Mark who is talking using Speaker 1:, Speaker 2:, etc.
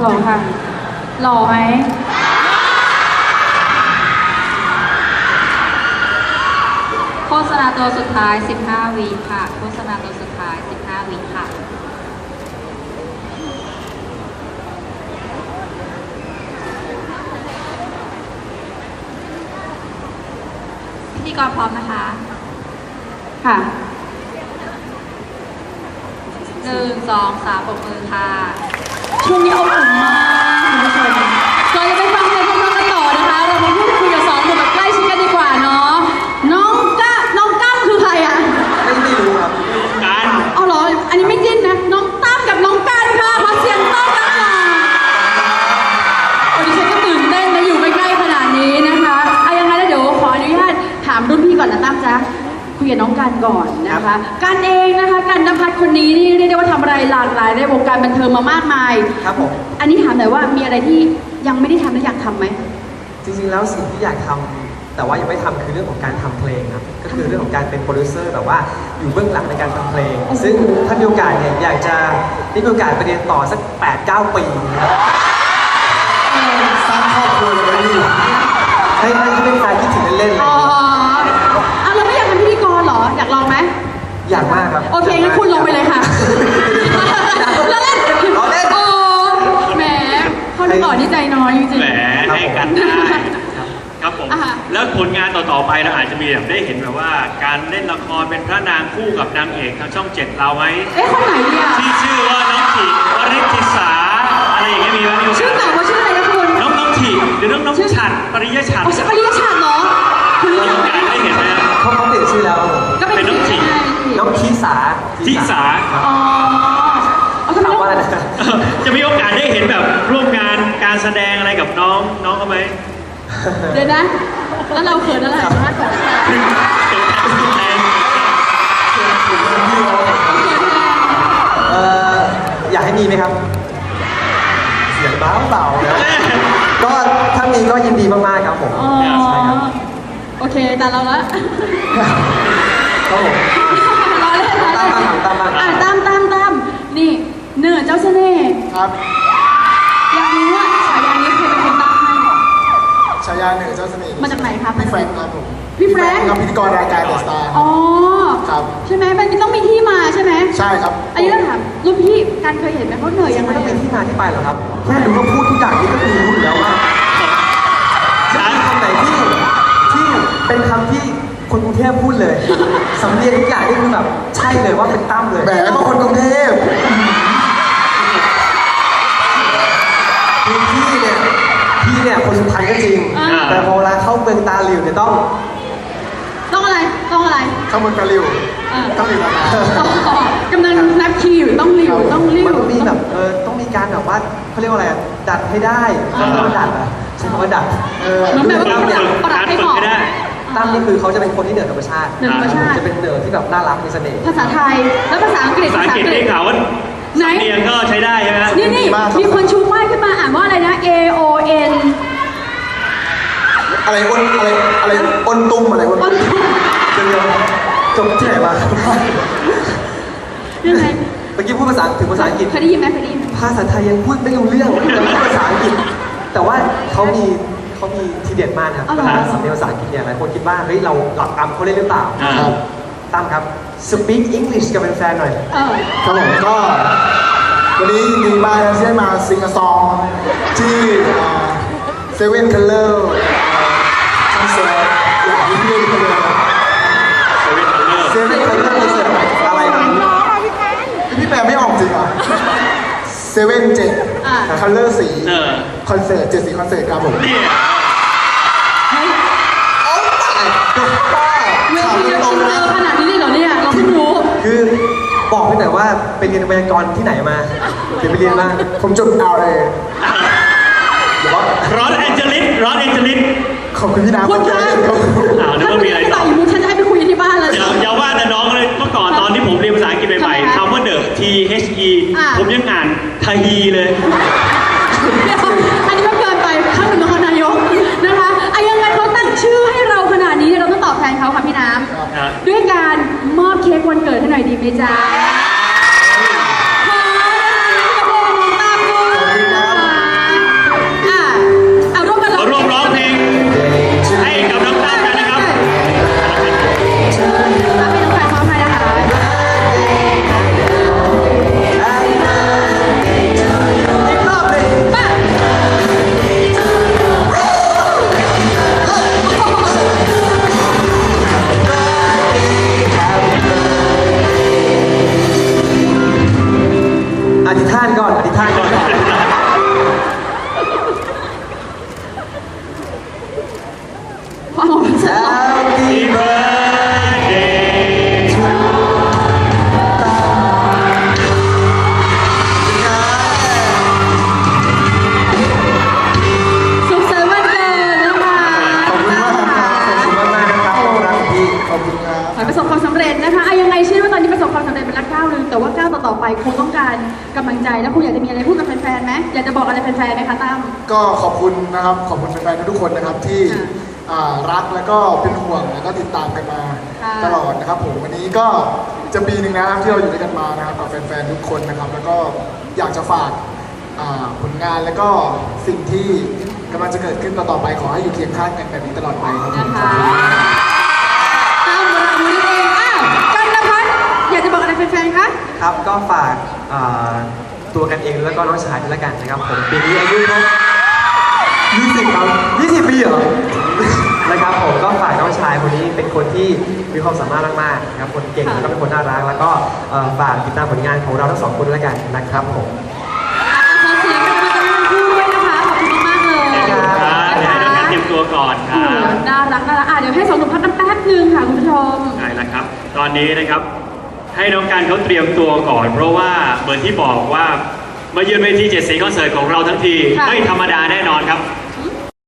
Speaker 1: หล่อค่ะหล่อไหมโฆษณาตัวสุดท้าย15วิค่ะโฆษณาตัวสุดท้าย15วิค่ะพิธีกรพร้อมนะคะค่ะ1 2 3ปรบมือค่ะช่วงนี้อบอุ่นมากคุณผู้ชมก่อนจะไปฟังเพลงพร้อมๆกันต่อนะคะเรามาพูดคุยกับสองหนุ่มแบบใกล้ชิดกันดีกว่าเนาะน้องกั้มคือใครอะ
Speaker 2: ไม่รู้ครับ
Speaker 3: การ
Speaker 1: เอาเหรออันนี้ไม่จิ้นนะน้องตั้มกับน้องกันค่ะขอเสียงต้อนรับหน่อยโอ้ดิฉันก็ตื่นเต้นนะอยู่ใกล้ๆขนาดนี้นะคะยังไงแล้วเดี๋ยวขออนุญาตถามรุ่นพี่ก่อนนะตั้มจ๊ะคุยกับน้องกันก่อนนะคะกันเองนะคะกันณภัทรคนนี้นี่เรียกได้ว่าทำอะไรหลากหลายในวงการบันเทิงมามากมาย
Speaker 2: ครับผม
Speaker 1: อันนี้ถามหน่อยว่ามีอะไรที่ยังไม่ได้ทำและอยากทำไหม
Speaker 2: จริงๆแล้วสิ่งที่อยากทำแต่ว่ายังไม่ทำคือเรื่องของการทำเพลงครับก็คือเรื่องของการเป็นโปรดิวเซอร์แบบว่าอยู่เบื้องหลังในการทำเพลงซึ่งถ้ามีโอกาสเนี่ยอยากจะได้มีโอกาสไปเรียนต่อสัก 8-9 ปีนะครับสร้างครอบครัวเลยดีให้เป็นการคิดถึงเล่นๆเลย
Speaker 1: เราไม่อยากเป็นพิธีกรเหรออยากลองไหม
Speaker 2: อยากมากครับ
Speaker 1: โอเคงั้นคุณลงไปเลยค่ะแล้วเล่นโอ้แหมเขาหล่อที่ใจน้อยจริงๆ
Speaker 3: แหมให้กันได้ครับผมแล้วผลงานต่อๆไปเราอาจจะมีแบบได้เห็นแบบว่าการเล่นละครเป็นพระนางคู่กับนางเอกทางช่อง 7เราไหม
Speaker 1: คนไหนเนี่ย
Speaker 3: ที่ชื่อว่าน้องถิวริธิสาอะไรอย่างเงี้ยมีไหม
Speaker 1: ชื่อเก่าว่าชื่ออะไรนะคุณ
Speaker 3: น้องถิหรือน้องฉัตรปริยฉัตร
Speaker 1: ปริยฉัตรเหรอ
Speaker 3: คุณรู้จักได้เห็นไหม
Speaker 2: เขาเปลี่ยนชื่อแล้ว
Speaker 1: ก็เป็น
Speaker 3: น้องถิ
Speaker 2: น้องทิสา
Speaker 1: อ๋อ
Speaker 2: ถามว่าอะไรนะ
Speaker 3: จะมีโอกาสได้เห็นแบบร่วมงานการแสดงอะไรกับน้องเขาไหม
Speaker 1: เดี๋ยวนะแล้วเราเขินอะไรมากกว่า
Speaker 2: อยากให้มีไหมครับเสียงเบานะก็ถ้ามีก็ยินดีมากๆครับผมใช่ครับ
Speaker 1: โอเคแต่เราละ
Speaker 2: ครับผม
Speaker 1: รอเล่น
Speaker 2: ต
Speaker 1: ามนี่เนื้อเจ้าเสน่ห์
Speaker 2: ครับ
Speaker 1: อยากรู้ว่าฉายานี้ใครเป็นคนตั้งให้
Speaker 4: ฉายาเนื้อเจ้าเสน่ห์
Speaker 1: มาจากไหนครับ
Speaker 4: พี่แฟรงค์ครับผม
Speaker 1: พี่แฟรงค์
Speaker 4: พิธีกรรายการเดอะสตาร์
Speaker 1: อ๋อ
Speaker 4: ครับ
Speaker 1: ใช่ไหมมันต้องมีที่มาใช่ไหม
Speaker 4: ใช่ครับ
Speaker 1: อันนี้เราถามรุ่นพี่การเคยเห็นไหมเขาเหนื่อยยังไง
Speaker 2: ไม่ต้องเป็นที่มาที่ไปหรอกครับแค่รู้ว่าพูดทุกอย่างนี่ก็คือรู้อยู่แล้วว่าคำไหนที่เป็นคำที่คนกรุงเทพพูดเลยสำเนียงทุกอย่างนี่คือแบบใช่เลยว่าเป็นตั้มเลย
Speaker 4: แหมก็คนกรุงเทพ
Speaker 2: พี่เนี่ยคนสุพรรณก็จริงแต่พอเวลาเข้าเมืองตาหลิวเนี่ยต้อง
Speaker 1: อะไรเข้าเ
Speaker 4: มืองตาหลิวต้องหลิวม
Speaker 1: ากำลังนับคิวต้องหลิว
Speaker 2: มันต้องมีแบบต้องมีการแบบว่าเขาเรียกว่าอะไรดัดให้ได้ต้องดัดอ่ะใช้คำว่าดัด
Speaker 1: มันแบบว่าปรับให้เหมาะ
Speaker 2: ตั้มนี่คือเขาจะเป็นคนที่เหนือธรรมชาติจะเป็นเหนือที่แบบน่ารักมีเสน่ห์
Speaker 1: ภาษาไทยแล้วภาษาอังกฤษ
Speaker 3: ได้ข่าวว่าไหนเรียนก็ใช้ได้ใช่ไหม
Speaker 1: นี่มีคนชูป้ายขึ้นมาอ่านว่าอะไรนะ AON
Speaker 4: อะไรอนตุ้มอะไรอน
Speaker 2: เดี๋ยวจบที่ไหนมา
Speaker 1: ยังไง
Speaker 2: เมื่อกี้พูดภาษาถึงภาษาอังกฤษ
Speaker 1: เคยได้ยินไหม
Speaker 2: ภาษาไทยยังพูดไม่รู้เรื่องยังพูดภาษาอังกฤษแต่ว่าเขามีทีเด็ดมากครับสำเนียงภาษาอังกฤษเนี่ยหลายคนคิดว่าเฮ้ยเราหลับตามเขาได้หรือเปล่าตามครับ speak English กับแฟนๆหน่อย
Speaker 4: ครับผมก็วันนี้ยินดีมากที่ได้มาซิงก์ซองที่เซเว่นคัลเลอร์คอนเสิร์ตอย่างที่พี่พูดเลย
Speaker 2: เซเว่นคัลเลอร์คอนเสิร์ตอะไรนะ
Speaker 4: พี่แปลไม่ออกจริงเหรอเซเว่น7คัลเลอร์สีคอนเสิร์ต7 สีคอนเสิร์ตครับผม
Speaker 1: ขนาดนี้เลยเหรอเนี่ยเราเพิ่งรู้
Speaker 2: คือบอกไปหน่อยว่าไปเรียนไวยากรณ์ที่ไหนมาเดี๋ยวไปเรียนมา
Speaker 4: ผมจบเอาเลย
Speaker 3: รอสแอนเจลิส
Speaker 4: ขอบคุณพี่น้ำ
Speaker 1: คุณคะ
Speaker 3: นึกว่ามีอะไรต่อ
Speaker 1: มุกฉันจะให้ไปคุยที่บ้านเลย
Speaker 3: อย่าว่าแต่น้องเลยเมื่อก่อนตอนที่ผมเรียนภาษาอังกฤษใหม่ๆคำว่าเดิม THE ผมยังอ่านทาฮีเลย
Speaker 1: อันนี้มันเกินไปข้างหนึ่งนครนายกนะคะยังไงเขาตั้งชื่อให้เราขนาดนี้เราต้องตอบแทนเขาค่ะพี่น้ำด้วยการมอบเค้กวันเกิดให้หน่อยดีไหมจ๊ะขอให้น้องตามด้วย
Speaker 2: านก่อนอธิษฐานก่อน
Speaker 1: ความหวัง
Speaker 2: Happy birthday to
Speaker 1: สุขสันต์วันเกิดนะคะ
Speaker 4: ขอบคุณมากครับ
Speaker 2: ขอบคุณมากๆนะครับขอบคุณครับพี่
Speaker 4: ขอบคุณครับ
Speaker 1: ขอให้ประสบความสำเร็จนะคะยังไงเชื่อว่าตอนนี้ประสบความสำเร็จเป็นละก้าวหนึ่งแต่ว่าก้าวต่อๆไปคงต้องการกำลังใจแล้วคุณอยากจะมีอะไรพูดกับแฟนๆไหมอยากจะบอกอะไรแฟนๆไหมคะตั้ม
Speaker 4: ก็ขอบคุณนะครับ ขอบคุณแฟนๆทุกคนนะครับที่
Speaker 1: ค่ะ
Speaker 4: รักแล้วก็เป็นห่วงแล้วก็ติดตามกันมา
Speaker 1: ค่ะ
Speaker 4: ตลอดนะครับผมวันนี้ก็จะปีหนึ่งนะครับที่เราอยู่ด้วยกันมานะครับกับแฟนๆทุกคนนะครับ แล้วก็อยากจะฝากผลงานแล้วก็สิ่งที่กำลังจะเกิดขึ้นต่อๆไปขอให้อยู่เคียงข้างกันแบบนี้ตลอดไปครับผม
Speaker 1: นะคะตั้มวราวุฒิเองอ้าวกันละพัฒน์อยากจะบอกอะไรแฟนๆคะ
Speaker 2: ครับก็ฝากตัวกันเองแล้วก็น้องชายด้วยละกันนะครับผมปีนี้อายุครบ20 ครับ 20 ปีเหรอ นะครับผมก็ฝากน้องชายคนนี้เป็นคนที่มีความสามารถมากๆนะครับคนเก่งแล้วก็เป็นคนน่ารักแล้วก็ฝากติดตามผลงานของเราทั้งสองคนด้วยละกันนะครับผม
Speaker 1: ขอเสียงกันมากันทั้งคู่ด้วยนะคะขอบคุณมากๆเลย
Speaker 3: ครับเดี๋ยวให้น้องการเตรียมตัวก่อนค
Speaker 1: โอ้
Speaker 3: รั
Speaker 1: โห
Speaker 3: บ
Speaker 1: น่ารักเดี๋ยวให้สองหนุ่มพักกันแป๊บนึงค่ะคุณผู้ชม
Speaker 3: ใช่แล้วครับ ตอนนี้นะครับ ให้น้องการเขาเตรียมตัวก่อน เพราะว่าเหมือนที่บอกว่ามาเยือนเวที7 สีคอนเสิร์ตของเราทั้งที
Speaker 1: ค่ะ
Speaker 3: ไม่ธรรมดาแน่นอนครับ